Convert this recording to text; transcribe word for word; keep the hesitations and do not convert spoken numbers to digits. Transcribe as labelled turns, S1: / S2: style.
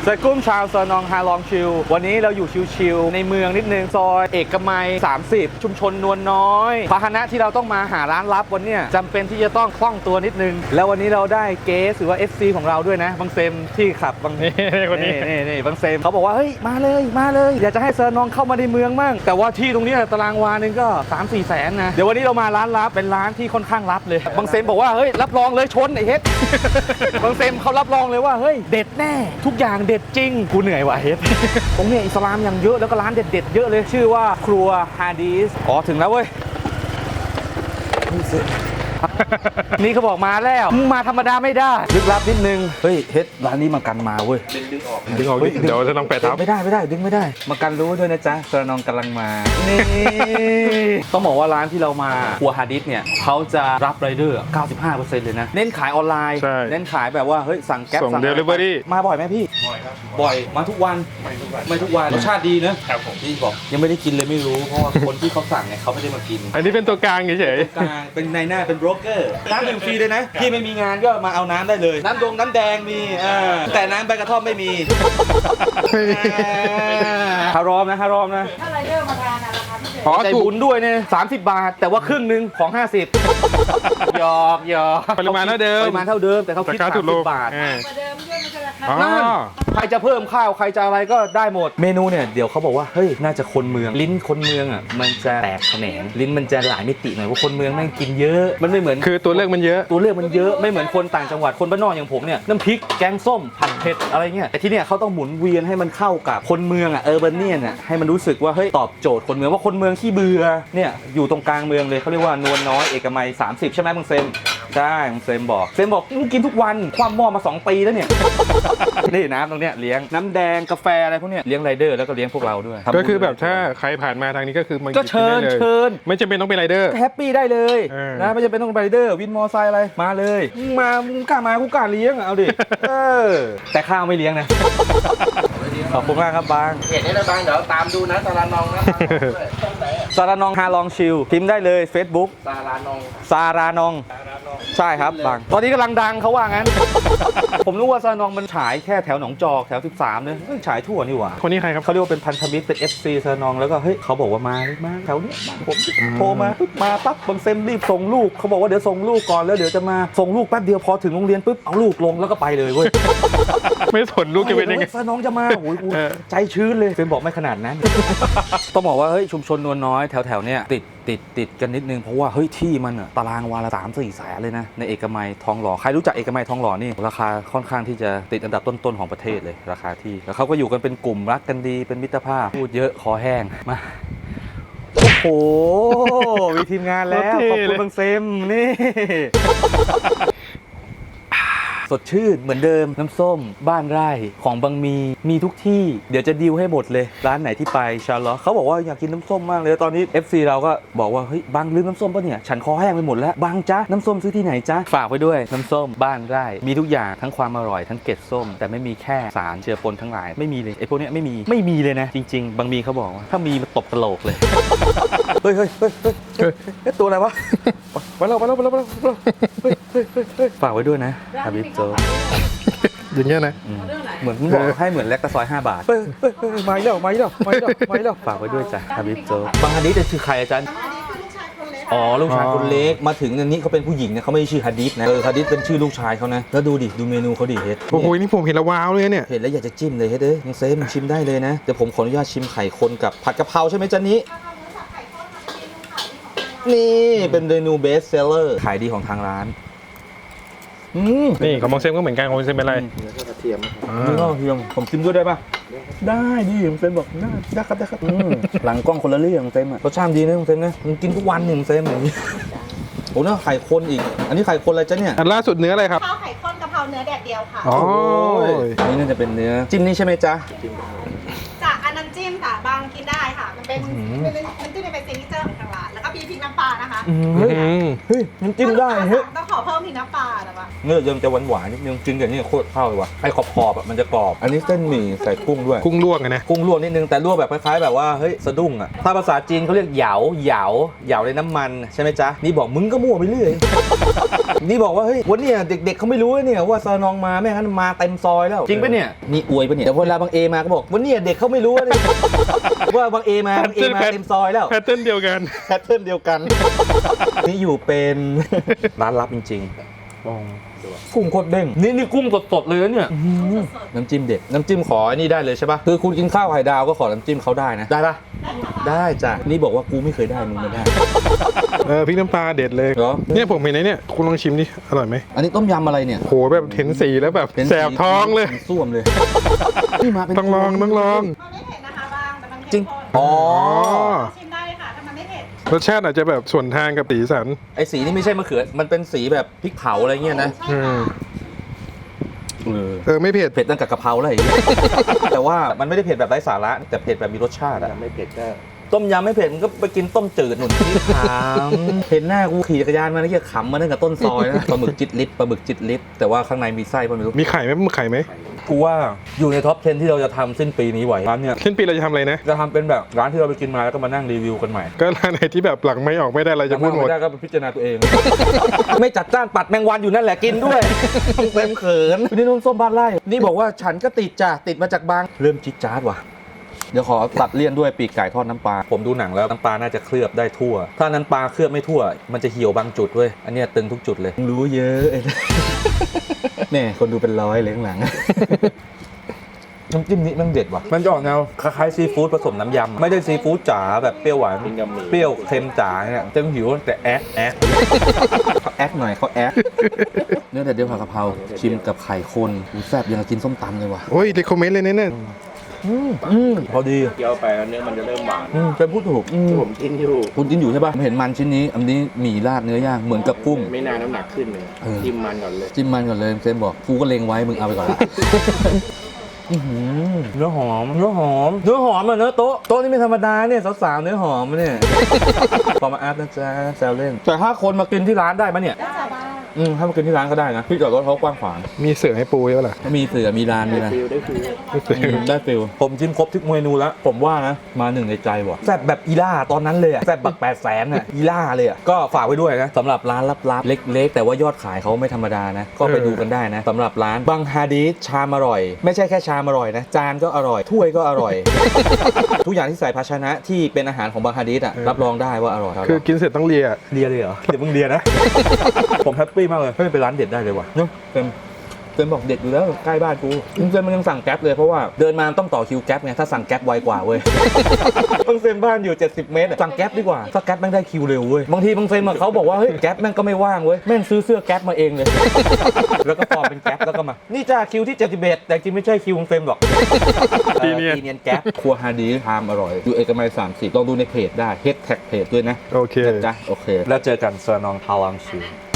S1: สกุ้มชาวซอนองฮาลองชิลวันนี้เราอยู่ชิลๆในเมืองนิดนึงซอยเอกมัยสามสิบชุมชนนวลน้อยพาหนะที่เราต้องมาหาร้านลับวันนี้จำเป็นที่จะต้องคล่องตัวนิดนึงแล้ววันนี้เราได้เกสหรือว่า เอฟ ซี ของเราด้วยนะบางเซมที่ขับบางนี่คนนี้นี่นี่บางเซมเขาบอกว่าเฮ้ยมาเลยมาเลยอยากจะให้ซอนองเข้ามาในเมืองมั่งแต่ว่าที่ตรงนี้ตารางวานึงก็ สามสี่ แสนนะเดี๋ยววันนี้เรามาร้านลับเป็นร้านที่ค่อนข้างลับเลยบางเซมบอกว่าเฮ้ยรับรองเลยชนไอ้เฮ็ด บางเซมเขารับรองเลยว่าเฮ้ยเด็ดแน่ทุกอย่างเด็ดจริงกูเหนื่อยว่ะเฮ็ด ตรงนี้อิสลามอย่างเยอะแล้วก็ร้านเด็ดๆเยอะเลยชื่อว่าครัวฮาดีสอ๋อถึงแล้วเว้ย นี่เขาบอกมาแล้วมึงมาธรรมดาไม่ได้ลึกลับนิดนึงเฮ้ยเฮ็ดร้านนี้มากันมาเว้ยดึงออก
S2: ดึงออกเดี๋ยวจะต้องแปะทับ
S1: ไม่ได้ไม่ได้ดึงไม่ได้มากันรู้ด้วยนะจ๊ะซอนองกำลังมานี่ ต้องบอกว่าร้านที่เรามาครัวฮาดิสเนี่ยเขาจะรับไรเดอร์ เก้าสิบห้าเปอร์เซ็นต์ เลยนะเน้นขายออนไลน์เน้นขายแบบว่าเฮ้ยสั่งแก๊ป
S2: ส่งเดลิเวอรี่
S1: มาบ่อยไหมพี่
S2: บ่อยครับ
S1: บ่อยมาทุกวันไม่ทุกวันไม่ทุกวันรสชาติดีนะครับผมพี่บอกยังไม่ได้กินเลยไม่รู้เพราะว่าคนที่เขาสั่งเนี่ยเขาไม่ได้มากิน
S2: อันนี้เป็นตัวกลางเฉย
S1: ๆกลางเป็นนายหน้าเป็นโบรกเกอร์น้ำดื่มฟรีเลยนะพี่ไม่มีงานก็มาเอาน้ำได้เลยน้ำดงน้ำแดงมีแต่น้ำใบกระท่อมไม่มีฮารอมนะฮารอมนะ
S3: ถ้าไรเดอร์มาทานนะราคาพิเศษ
S1: อ๋อใจบุญด้วยเนี่ยสามสิบบาทแต่ว่าครึ่งหนึ่งของห้าสิบหยอกหยอก
S2: ปริมาณเท่าเดิม
S1: ปริมาณเท่าเดิมแต่เขาคิดสามสิบบาท
S3: กว่าเดิมด้วยมันจะราคา
S1: นั่นใครจะเพิ่มข้าวใครจะอะไรก็ได้หมดเมนูเนี่ยเดี๋ยวเขาบอกว่าเฮ้ยน่าจะคนเมืองลิ้นคนเมืองอ่ะมันจะแตกแขนงลิ้นมันจะหลายมิติหน่อยว่าคนเมืองแม่งกินเยอะมันไม่เหมือน
S2: คือตัวเลือกมันเยอะ
S1: ตัวเลือกมันเยอะไม่เหมือนคนต่างจังหวัดคนบ้านนอกอย่างผมเนี่ยน้ำพริกแกงส้มผัดเผ็ดอะไรเงี้ยแต่ที่เนี่ยเขาต้องหมุนเวียนให้มันเข้ากับคนเมืองอ่ะเออร์เบเนียนอ่ะให้มันรู้สึกว่าเฮ้ยตอบโจทย์คนเมืองว่าคนเมืองขี้เบื่อเนี่ยอยู่ตรงกลางเมืองเลยเขาเรียกว่านวลน้อยเอกมัยสามสิบใช่ไหมมึงเซมใช่มึงเซมบอกเซมบอกมึงกินทุกวันความหม้อมาสองปีแล้วเนี่ย นี่น้ำตรงเนี้ยเลี้ยงน้ำแดงกาแฟอะไรพวกเนี้ยเลี้ยงไรเดอร์แล้วก็เลี้ยงพวกเราด้วย
S2: ก็คือแบบถ้าใครผ่านมาทางนี้ก็คือมัน
S1: ก็เชิญเชิญ
S2: ไม่จำเป็นต้องเป็นไรเดอร์
S1: แฮปปี้ได้เลยนะไม่จำเป็นต้องเป็นไรเดอร์วินมอไซค์อะไรมาเลยมามึงกล้ามากูกล้าเลี้ยงเอาดิเออแต่ข้าวไม่เลี้ยงนะขอบคุณมากครับบาง
S4: เห็นนี่นะบางเดี๋ยวตามดูนะซาลานองนะ
S1: ซารานองฮาลองชิลพิมพ์ได้เลย Facebook
S4: ซาลานอง
S1: ซารานองใช่ครับบางตอนนี้กำลังดังเขาว่างั้น ผมรู้ว่าซารานองมันฉายแค่แถวหนองจอกแถวสิบสามเนี่ยฉายทั่วนี่หว่า
S2: คนนี้ใครครับ
S1: เขาเรียกว่าเป็นพันธมิตรเป็น เอฟ ซี ซารานองแล้วก็เฮ้ยเขาบอกว่ามามาแถวนี้ผมโทรมาปุ๊บมาปั๊บบางเซมรีบส่งลูกเขาบอกว่าเดี๋ยวส่งลูกก่อนแล้วเดี๋ยวจะมาส่งลูกแป๊บเดียวพอถึงโรงเรียนปุ๊บเอาลูกลงแล้วก็ไปเลยเว้ย
S2: ไม่สนลูกจะเป็นยังไง
S1: ซารานองจะมาโอ้ยใจชื้นเลยเซมบอกไม่ขนาดนั้น ต้องบอกว่าเฮ้ยชุมชนนวลน้อยแถวแถวเนี้ยติดติดติดกันนิดนึงเพราะว่าเฮ้ยที่มันอะตารางวาละสามสี่แสนเลยนะในเอกมัยทองหล่อใครรู้จักเอกมัยทองหล่อนี่ราคาค่อนข้างที่จะติดอันดับต้นๆของประเทศเลยราคาที่แล้วเขาก็อยู่กันเป็นกลุ่มรักกันดีเป็นมิตรภาพพูดเยอะคอแห้งมาโอ้โหมีทีมงานแล้วขอบคุณบางเซมนี่ สดชื่นเหมือนเดิมน้ำส้มบ้านไร่ของบางมีมีทุกที่เดี๋ยวจะดีลให้หมดเลยร้านไหนที่ไปชาร์ลอตเขาบอกว่าอยากกินน้ำส้มมากเลยตอนนี้ เอฟ ซี เราก็บอกว่าเฮ้ยบางลืมน้ำส้มป่ะเนี่ยฉันคอแห้งไปหมดแล้วบางจ๊ะน้ำส้มซื้อที่ไหนจ๊ะฝากไว้ด้วยน้ำส้มบ้านไร่มีทุกอย่างทั้งความอร่อยทั้งเกล็ดส้มแต่ไม่มีแค่สารเจือปนทั้งหลายไม่มีเลยไอ้พวกนี้ไม่มีไม่มีเลยนะจริงๆบางมีเขาบอกว่าถ้ามีมาตบกระโหลกเลย เฮ้ยเฮ้ยเฮ้ยเฮ้ยตัวอะไรวะไปแล้วไปแล้วไปแล้วไปแล้วเฮ้ยเฮ้ยเฮ้ยฝากไว้ด้วยนะฮาบิบโจ
S2: อย่างเงี้ยนะ
S1: เหมือนบอกให้เหมือนแลกตะซอยห้าบาทเฮ้ยเฮ้ยเฮ้ยไม่แล้วไม่แล้วไม่แล้วไม่แล้วฝากไว้ด้วยจ้ะฮาบิบโจบางฮันดิสคือใครอาจารย์อ๋อลูกชายคนเล็กมาถึงอันนี้เขาเป็นผู้หญิงนะเขาไม่ชื่อฮัดดิสนะเออฮัดดิสเป็นชื่อลูกชายเขานะแล้วดูดิดูเมนูเขาดิเฮ็ด
S2: โอ้โหนี่ผมเห็นแล้วว้าวเลยเนี่ย
S1: เห็นแล้วอยากจะจิ้มเลยเฮ็ดเอ้ยยังเซมชิมได้เลยนะเดี๋ยวผมขออนุญาตชิมไข่คนกับผัดกะเพราใช่ไหมจ๊ะนี้นี่เป็นเมนูเบสเซลเลอร์ขายดีของทางร้าน
S2: นี่ของมองเซมก็เหมือนกันของมองเซมเป็นอะไร
S4: เนื้อกระเทียม
S1: เนื้อกระเทียมผมชิมด้วยได้ปะได้ดิผมเซมบอกได้ได้ครับได้ครับหลังกล้องคนละเรื่องเซมอะรสชาติดีนะเซมนะมันกินทุกวันหนึ่งเซมอย่างนี้โอ้เนื้อไข่คนอีกอันนี้ไข่คนอะไรจ๊ะเนี่ย
S2: อันล่าสุดเนื้ออะไรครับ
S3: ข้าวไข่ข้นกะเพราเนื้อแดดเดียวค่ะ
S2: อ๋อ
S1: นี่น่าจะเป็นเนื้อจิ้มนี่ใช่ไหมจ๊ะ
S3: จากอันน้ำจิ้มค่ะบางกินได้ค่ะมันเป็นมันจิ้มเป็นซิกเนเจอร์ของทางร้านแล้วก็มีพริกน้ำปลานะคะ
S1: เฮ้ย
S2: อืม
S1: เฮ้ยน้ำจิ้มได้เฮ้ย
S3: ต้องขอเพิ่มพริกน้ำปลาแต่ว่า
S1: เนื้อยังจะหวานหวานๆนิดนึงกินกับนี่โคตรเข้าเลยว่ะไอ้ขอบขอบๆอะมันจะกรอบ อันนี้เส้นหมี่ใส่กุ้งด้วย
S2: กุ้งลวกไงนะ
S1: กุ้งลวกนิดนึงแต่ลวกแบบคล้ายๆแบบว่าเฮ้ยสะดุ้งอ่ะถ้าภาษาจีนเขาเรียกเหยาเหยาเหยาในน้ำมันใช่ไหมจ๊ะนี่บอกมึงก็มั่วไปเรื่อย นี่บอกว่าเฮ้ยวันเนี้ยเด็กๆเขาไม่รู้เนี่ยว่าซานองมาแม่งั้นมาเต็มซอยแล้วจริงปะเนี่ยนี่อวยปะเนี่ยแต่เวลาบางเอมาก็บอกวันเนี้ยเด็กเขาไม่รู้เนี่ย ว่าบางเอมาบางเอมาเต็มซอยแล้ว
S2: แพทเทิร์นเดียวกัน
S1: แพทเทิร์นเดียวกัน นี่อยู่เป็น ร้านลับจริงๆกุ้งโคตรเด้งนี่นี่กุ้งสดๆเลยนะเนี่ยน้ำจิ้มเด็ดน้ำจิ้มขออันนี้ได้เลยใช่ปะคือคุณกินข้าวไข่ดาวก็ขอน้ำจิ้มเขาได้นะได้ปะได้จ้ะนี่บอกว่ากูไม่เคยได้มึงไม่ได้
S2: เออพริกน้ำปลาเด็ดเลย
S1: เหรอ
S2: เนี่ยผมเห็นไอ้เนี่ยคุณลองชิมดิ อร่อยไหม
S1: อันนี้ต้มยำอะไรเนี่ย
S2: โหแบบเห็นสีแล้วแบบแสบท้องเลย
S1: ส้วมเลยนี่มาเป็น
S2: ต้องลองต้องลอง
S3: มันไม่เผ็ดนะคะบางแต่มัน
S1: จริ
S3: เข้
S1: ง
S3: มข้น
S1: อ๋อ
S3: ชิมได้เลยค่ะถ้ามันไม่เผ็ด
S2: รสชาติอาจจะแบบส่วนทางกับสีสัน
S1: ไอสีนี่ไม่ใช่มะเขือมันเป็นสีแบบพริกเผาอะไรเงี้ยนะ
S3: ใช่
S2: อื
S3: ค่ะ
S2: ม
S1: เออ
S2: เออไม่เผ็ด
S1: เผ็ดตั้งกับกะเพราเลย แต่ว่ามันไม่ได้เผ็ดแบบไร้สาระแต่เผ็ดแบบมีรสชาติอะ
S4: ไม่เผ็ดก็
S1: ต้มยำไม่เผ็ดมันก็ไปกินต้มจืดหนุนที่ขามเห็นหน้ากูขี่จักรยานมาแล้วเหี้ยขำมาตั้งแต่ต้นซอยนะ ปลาหมึกจิตลิตรปลาหมึกจิตลิตรแต่ว่าข้างในมีไส้ป่ะไม่รู้
S2: มีไข่ไหมมีไข่ไหม
S1: กูว่าอยู่ในท็อปสิบที่เราจะทำสิ้นปีนี้ไหวร้านเนี่ย
S2: สิ้นปีเราจะทำอะไรนะ
S1: จะทำเป็นแบบร้านที่เราไปกินมาแล้วก็มานั่งรีวิวกันใหม่
S2: ก็ร้านไหนที่แบบหลังไม่ออกไม่ได้เราจะพูดหมด
S1: ไม่ได้ก็ไปพิจารณาตัวเอง ไม่จัดจ้านปัดแมงวันอยู่นั่นแหละกินด้วยเต็มเขินนี่นุ่นส้มบ้านไร่นี่บอกว่าฉันก็ติดจ้ะติดมาจากบางเริ่มจิ๊ดจ๊าดว่ะเดี๋ยวขอตัดเลี่ยนด้วยปีกไก่ทอดน้ำปลาผมดูหนังแล้วน้ำปลาน่าจะเคลือบได้ทั่ว ถ้าน้ำปลาเคลือบไม่ทั่ว มันจะเหี่ยวบางจุดเว้ยอันเนี้ยตึงทุกจุดเลยรู้เยอะ แม่คนดูเป็นร้อยเลยข้างหลัง น้ำจิ้มนี้มันเด็ดว่ะมันจะออกแนวคล้ายๆซีฟู้ดผสมน้ำยำไม่ได้ซีฟู้ดจ๋าแบบเปรี้ยวหวานเปรี้ยวเค็มจ๋าเนี่ยเต็มหิวแต่แอ๊กแอ๊กเขาแอ๊กหน่อยเขาแอ๊กเนื้อแต่เดียวผัดกะเพราชิมกับไข่คนอูแซ่บยังกับกินส้มตำเลยว่ะ
S2: โอ้ยรีคอมเมนต์เลยเนี่ย
S1: อืมอืมพอดี
S4: เคี้ยวไปแล้วเนื้อมันจะเริ่มหวาน
S1: อืมเป็นพูดถูกอืม
S4: ผมกินอยู่
S1: คุณกินอยู่ใช่ป่ะเห็นมันชิ้นนี้อันนี้หมี่ราดเนื้อย่างเหมือนกับกุ้ง
S4: ไม่นานน้ำหนักขึ้นเลย
S1: เออ
S4: จิ้มมันก่อนเลย
S1: จิ้มมันก่อนเลยเซนบอกกูก็เลงไว้มึงเอาไปก่อนละ อื้อหือเนื้อหอมเนื้อหอมเนื้อหอมอ่ะเนื้อโต๊ะโต๊ะนี่ไม่ธรรมดาเนี่ยสาวๆเนื้อหอมอะเนี่ย พอมาอัพนะจ๊ะแซวเล่นแต่ถ้าคนมากินที่ร้านได้ปะเนี่ย
S3: ได้จ้ะบ้าง
S1: อืมถ้ามากินที่ร้านก็ได้นะที่จอดรถเขากว้างขวาง
S2: มีเสือให้ปูเยอะล่ะ
S1: มีเสือมีร้านมี
S4: ได้
S1: นะ
S4: ฟิลได้ฟิล
S1: อืมได้ฟิลผมจิ้มครบทุกเมนูแล้วผมว่านะมาหนึ่งในใจว่ะแซ่บแบบอีล่าตอนนั้นเลยอะแซ่บแบบแปดแสนอะอีล่าเลยอะก็ฝากไว้ด้วยนะสำหรับร้านลับๆเล็กๆ แต่ว่ายอดขายเขาไม่ธรรมดานะก็ไปดูกันได้นะสำหรับร้านบังฮาดีสชามอร่อย ไม่ใช่แค่ชามอร่อยนะจานก็อร่อยถ้วยก็อร่อย ทุกอย่างที่ใส่ภาชนะที่เป็นอาหารของบังฮาดีสอะรับรองได้ว่าอร่อย
S2: คือกินเสร็จต้องเลีย
S1: เลียเลยเหรอเดี๋ยวมึงเลียนะ ผมแฮปปี้มากเลยเฮ้ยเป็นร้านเด็ดได้เลยว่ะเนาะเป็นเต็มบอกเด็ดอยู่แล้วใกล้บ้านกูเต็มมันยังสั่งแก๊ปเลยเพราะว่าเดินมาต้องต่อคิวแก๊ปไงถ้าสั่งแก๊ปไวกว่าเว้ย บางเซนบ้านอยู่เจ็ดสิบเมตรอะสั่งแก๊ปดีกว่าถ้าแก๊ปแม่งได้คิวเร็วเว้ยบางทีบางเซนมาเขาบอกว่าเฮ้ยแก๊ปแม่งก็ไม่ว่างเว้ยแม่งซื้อเสื้อแก๊ปมาเองเลย แล้วก็ปลอมเป็นแก๊ปแล้วก็มานี่จ้าคิวที่เจ็ดสิบเอ็ดแต่จริงไม่ใช่คิวของเซนหรอก
S2: ปีเนียน
S1: ปีเนียนแก๊ปครัวฮาดีทามอร่อยอยู่เอกมัยสามสิบลองดูในเพจได้เฮดแท็กเพจด้วยนะ
S2: โอเค
S1: นะจ๊ะโอเคแล้วเจอกันซานองพาวังชิว